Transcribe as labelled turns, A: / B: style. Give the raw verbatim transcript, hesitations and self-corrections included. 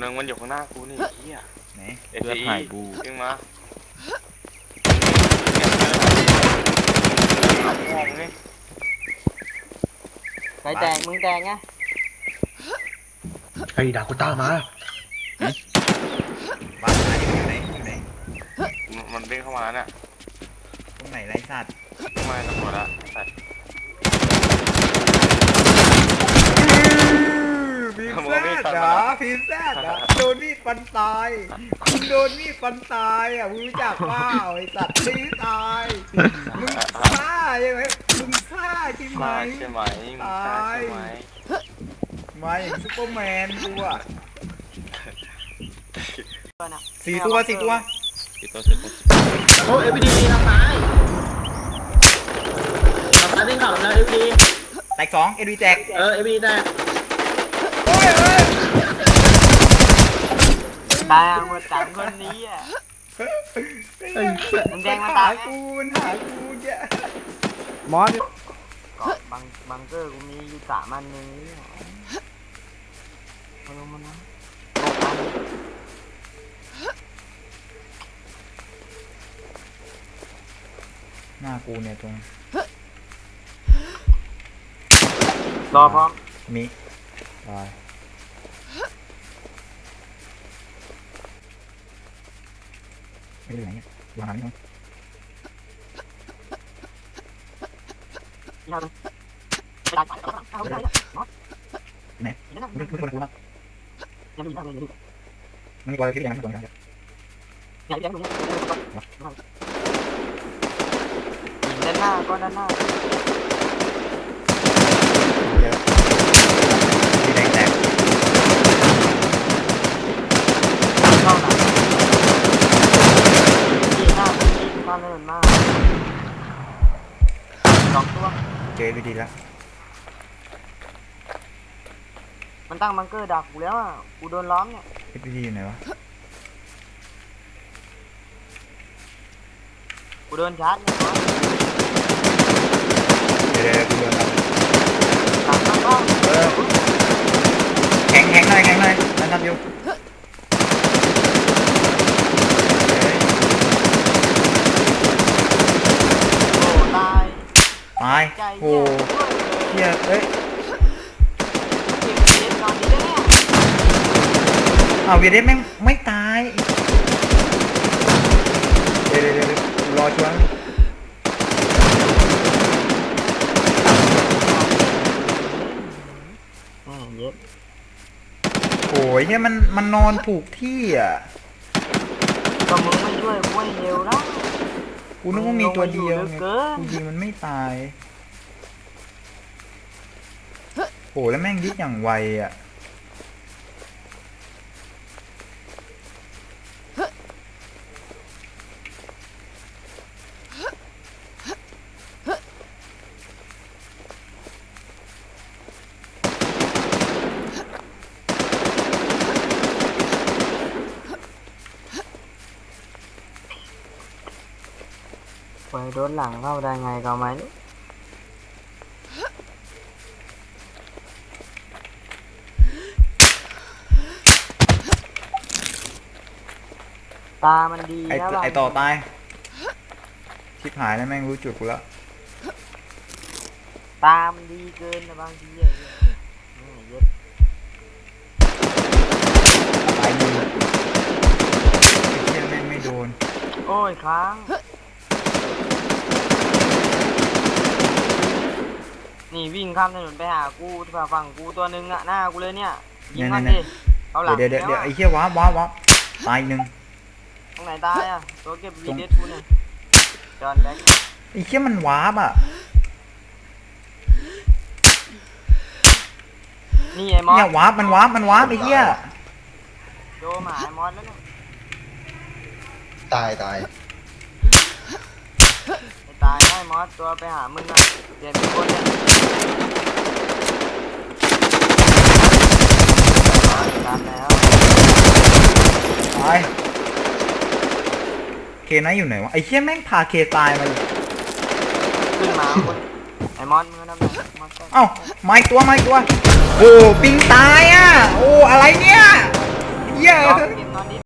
A: งมันอยู่ข้างหน้ากูนี่เฮีย
B: ไหน
A: เอฟซีบูขึ้นมา
C: ใครแตกมึงแตกไง
D: ไอ้ดากูต้ามา
B: บ้านไหนอยู่ไหนอยู่ไหน
A: มันเด้งเข้ามาเนี่ย
B: ตรงไหนไรสัตว์
A: ไม่ตำรวจละสัตว์
B: พิมพ์แซดเหรอพิมพ์แซดเหรอโดนมีดฟันตายคุณโดนมีดฟันตายอ่ะมึงรู้จักเปล่าไอ้สัตว์ตีตายมึงฆ่าใช่ไหมมึงฆ่าใช่ไหม
A: ใช่ไหมตายใช่ไหม
B: มาอย่างซุปเปอร์แมนกูอ่ะสี่ตัวสี่ตัว
A: สี่ตัวสี่ตัว
D: โอ้เอฟดีทำร้ายทำร้ายวิ่งเข่าแล้วเอฟดี
B: แตกสองเอฟดีแตก
D: เออเอฟดีแตก
B: โอ้ยเอ้ย
C: ตายหมดสามคนนี้อ่ะมันแดงมาตาย
B: กูมันหากูเยอะ
C: มอสก็บังบังเกอร์กูมีอยู่สามอันนึงเอาลงมานะ
B: หน้ากูเนี่ยตรง
C: รอพร้อม
B: มีตายไม่ได้ไหนเนี่ยวางหาไม่ต้องไหนไม่ไม่ควรกูนะมันมีบอลที่ยังไม่โดนกัน
C: ยิงด้านหน้าก็ด้านหน้า
B: เยอะสีแดงแตก
C: เข้าหลังยิงหน้ายิงข้ามถนนมากสองตัว
B: เจอดีแล้ว
C: มันตั้งบังเกอร์ดักกูแล้วอ่ะกูโดนล้อมเนี่ย
B: เอฟดีอยู่ไหนวะ
C: กูโดนชาร์จเนี่ย
B: เดี๋ยวกูโดน
C: ตามมาบ้าง
B: เออแข็งแข็งหน่อยแข็งหน่อยนั่นทำอยู่
C: โอ้ตาย
B: ตายโอ้เฮียเอ้ยเอาเวียดเดสแม่งไม่ตายเดี๋ยวเดี๋ยวรอช่วงโอ้ยเนี่ยมันมันนอนถูกที่อ่ะ
C: ก็มึงไม่ช่วยกูให้เร็วแล้ว
B: กูนึกว่ามีตัวเดียวไงกูยิงมันไม่ตายโอ้แล้วแม่งยิงอย่างไวอ่ะ
C: ไปโดนหลังเข้าได้ไงก็ไม่ตามันดี
B: ไอไอต่อตายชิบหายแล้วแม่งรู้จุดกูแล้ว
C: ตามันดีเกินนะบางทีเยอะเยอะ
B: ตายมือไอ้เชี่ยแม่งไม่โดน
C: โอ้ยค้างนี่วิ่งข้ามถนนไปหากูที่ฝั่งกูตัวนึงอะหน้ากูเลยเนี่ยยิงมันดิเอาหลัง
B: เดี๋ยวเดี๋ยวเดี๋ยวไอ้เชี่ยว้าว้าว้าตายหนึ่ง
C: ตรงไหนตายอะตัวเก็บวีเดสกูเนี่ยจอนแบ็ค
B: ไอ้เชี่ยมันว้าบอ่ะ
C: นี่ไอ้มอส
B: เนี่ยว้ามันว้ามันว้าไอ้เชี่ย
C: โจหมาไอ้มอสแล้วเนี่ย
D: ตายตาย
C: ตายได้มอสตัวไปหามึงอะเปลี่ยนเป็นคนเนี่ยตามแล้ว
B: ตายเคไนอยู่ไหนวะไอ้เชี่ยแม่งพาเคตายมา
C: ขึ้นมาคนไอ้มอสมึงนั่นแหละ
B: เอ้าไม่ตัวไม่ตัวโอ้ปิงตายอ่ะโอ้อะไรเนี่ยเเหี้ย
C: รอเก็บตอนนี้